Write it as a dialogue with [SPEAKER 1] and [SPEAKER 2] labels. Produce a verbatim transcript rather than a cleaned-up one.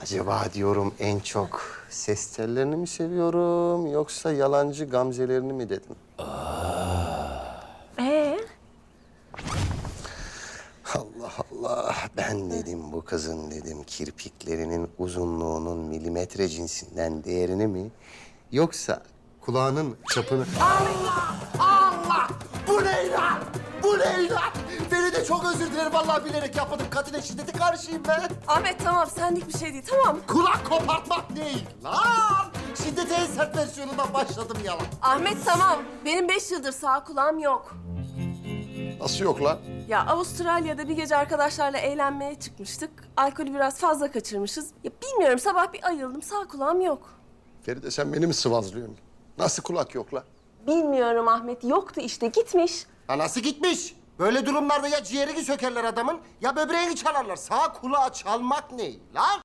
[SPEAKER 1] Acaba diyorum en çok ses tellerini mi seviyorum yoksa yalancı gamzelerini mi dedim?
[SPEAKER 2] Ee?
[SPEAKER 1] Allah Allah. Ben dedim bu kızın dedim kirpiklerinin uzunluğunun milimetre cinsinden değerini mi yoksa kulağının çapını... Allah! Allah! Bu ne lan? Bu ne lan? Beni de çok özür dilerim. Vallahi bilerek yapmadım. Katine şiddeti karşıyım ben.
[SPEAKER 2] Ahmet tamam senlik bir şey değil tamam.
[SPEAKER 1] Kulak kopartmak değil lan. Şiddetin en sert versiyonundan başladım yalan.
[SPEAKER 2] Ahmet tamam. Benim beş yıldır sağ kulağım yok.
[SPEAKER 1] Nasıl yok lan?
[SPEAKER 2] Ya Avustralya'da bir gece arkadaşlarla eğlenmeye çıkmıştık. Alkolü biraz fazla kaçırmışız. Ya bilmiyorum sabah bir ayıldım sağ kulağım yok.
[SPEAKER 1] Feride sen beni mi sıvazlıyorsun? Nasıl kulak yok lan?
[SPEAKER 2] Bilmiyorum Ahmet yoktu işte gitmiş.
[SPEAKER 1] Ha nasıl gitmiş? Böyle durumlarda ya ciğerini sökerler adamın ya böbreğini çalarlar. Sağ kulağı çalmak ne lan?